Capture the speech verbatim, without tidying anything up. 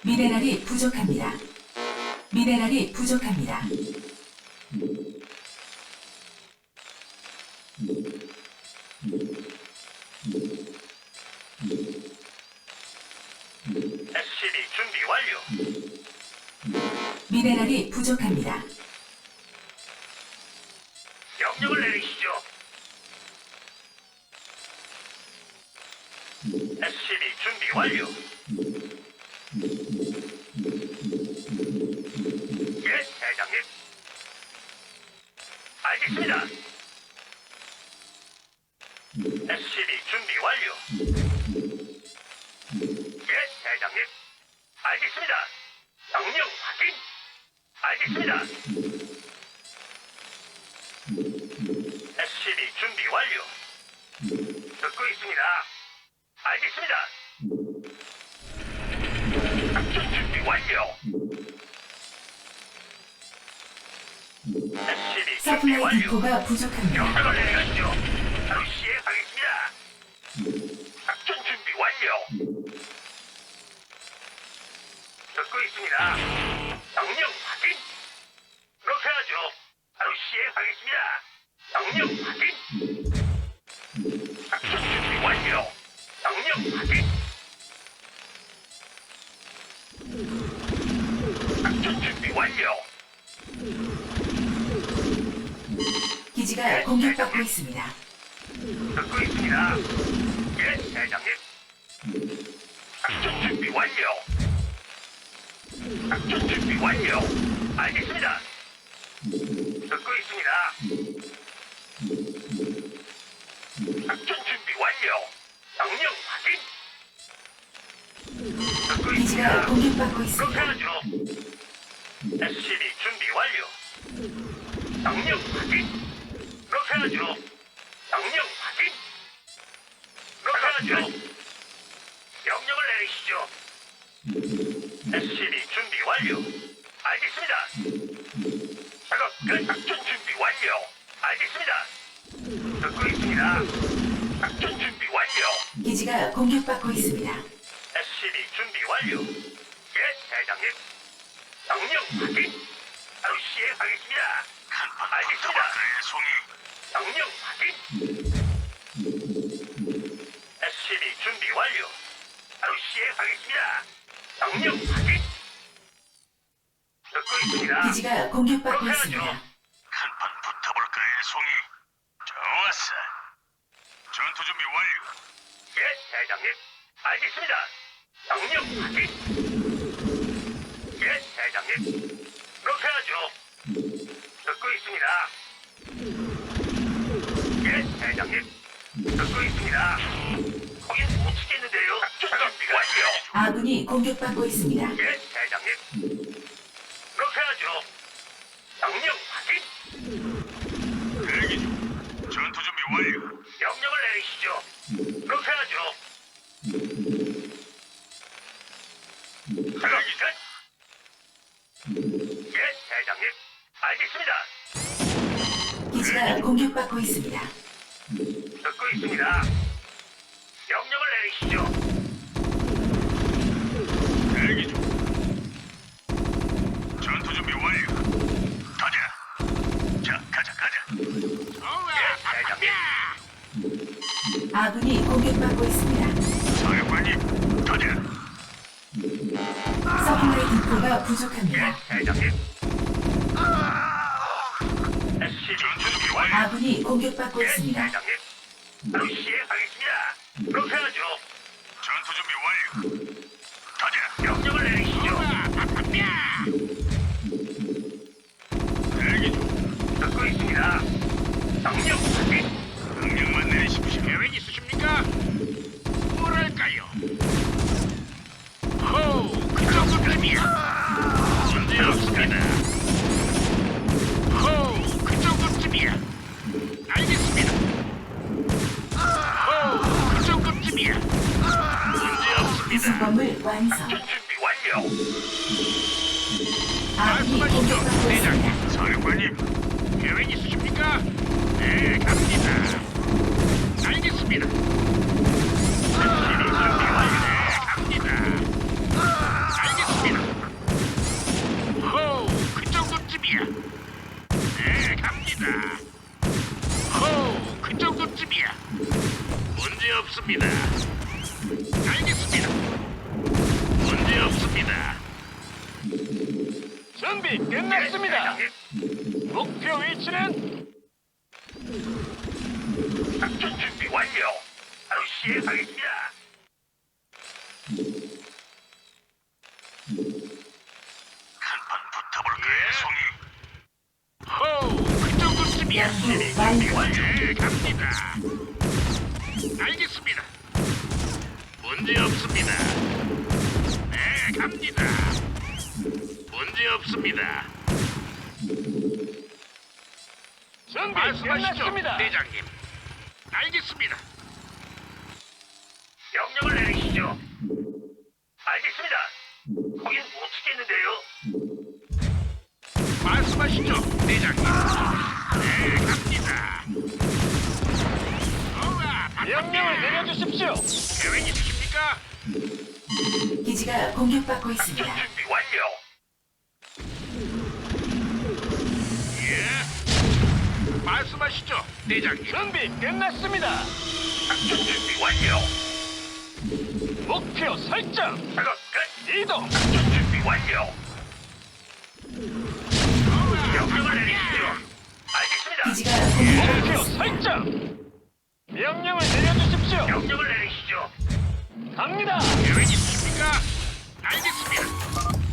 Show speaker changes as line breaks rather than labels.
미네랄이 부족합니다. 미네랄이 부족합니다.
에스시비 준비 완료.
미네랄이 부족합니다.
명령을 내리시죠. 에스시비 준비 완료. 예, 대장님. 알겠습니다. 에스시비 준비 완료. 예, 대장님. 알겠습니다. 명령 확인. 알겠습니다. 에스시비 준비 완료. 듣고 있습니다. 알겠습니다. 작전 준비 완료. 에스시비 준비
서플라이
완료.
디포가 부족합니다.
명령을 내리시죠. 바로 시행하겠습니다. 작전 준비 완료. 듣고 있습니다. 명령 확인. 그렇게 하죠. 바로 시행하겠습니다. 명령 확인. 작전 준비 완료. 명령 확인. 작전 준비 완료.
기지가 공격받고 있습니다.
듣고 있습니다. 예, 대장님. 작전 준비 완료. 작전 준비 완료. 알겠습니다. 듣고 있습니다. 작전 준비 완료. 명령 확인. 듣고
기지가
있습니다.
공격받고
그렇게
있습니다.
하죠. 에스시비 준비 완료. 명령 확인. 그렇게 하죠. 명령 확인. 그렇게 하죠. 명령을 내리시죠. 에스시비 준비 완료. 알겠습니다. 작업 끝. 작전 준비 완료. 알겠습니다. 듣고 있습니다. 작전 준비 완료.
기지가 공격받고 있습니다.
에스시비 준비 완료. 예, 대장님. 명령 확인. 바로 시행하겠습니다. 알겠습니다. 명령 확인. 에스시비 준비 완료. 바로 시행하겠습니다. 명령 확인. 듣고 있습니다.
기지가 공격받고
그렇게
있습니다.
하죠.
한판 붙어볼까, 일송이? 좋았어. 전투 준비 완료.
예, 대장님. 알겠습니다. 명령 확인. 예, 대장님. 그렇게 하죠. 듣고 있습니다. 예, 대장님. 듣고 있습니다. 거긴 못 치겠는데요. 작전 준비 완료.
아군이 공격받고 있습니다.
예, 대장님. 그렇게 하죠. 명령 확인.
대기 중. 전투 준비 완료.
명령을 내리시죠. 그렇게 하죠. 작업 끝. 예, 대장님. 알겠습니다.
기지가 공격받고 있습니다.
듣고 있습니다. 명령을 내리시죠.
대기 중. 전투 준비 완료. 가자. 자, 가자, 가자.
예, 대장님.
아군이 공격받고 있습니다.
사령관님, 가자.
서플라이 디포가 부족합니다.
예, 대장님. 에스시비
전투 준비 완료.
아군이 공격받고
예,
있습니다.
대장님. 바로 시행하겠습니다. 그렇게 하죠.
전투 준비 완료. 가자.
명령을 내리시죠.
대기 중.
듣고 있습니다. 명령 확인.
명령만 내리십시오.
계획 있으십니까? 뭐랄까요? 호우, 그 정도쯤이야. 문제 없습니다. 호우, 그 정도쯤이야. 알겠습니다. 호우, 그 정도쯤이야. 문제 없습니다.
구성범을 완성.
작전 준비 완료.
아군이 공격받고 있습니다.
사령관님,
계획 있으십니까? 네, 갑니다. 알겠습니다. SCV 준비 완료. 네, 갑니다. 알겠습니다. 알겠습니다. 알겠습니다. 문제 없습니다.
준비 끝났습니다.
대장님.
목표 위치는
작전 준비 완료. 바로 시행하겠습니다.
한판 붙어볼까요, 송이?
호우, 그 정도쯤이야.
연구 완료.
네, 갑니다. 알겠습니다. 문제 없습니다. 네, 갑니다. 문제 없습니다.
준비
말씀하시죠,
끝났습니다.
대장님. 알겠습니다.
명령을 내리시죠. 알겠습니다. 거긴 못 치겠는데요.
말씀하시죠, 대장님. 네, 갑니다. 우와,
명령을 내려주십시오.
계획 있으십니까?
기지가 공격받고
작전
있습니다.
준비 완료.
예. 말씀하시죠, 대장님.
준비 끝났습니다.
작전 준비 완료.
목표 설정.
작업 끝.
이동.
작전 준비 완료. 명령을 내리시죠. 알겠습니다.
기지가 공격받고
목표 설정. 명령을 내려주십시오.
명령을 내리시죠.
갑니다.
계획 있으십니까? 알겠습니다.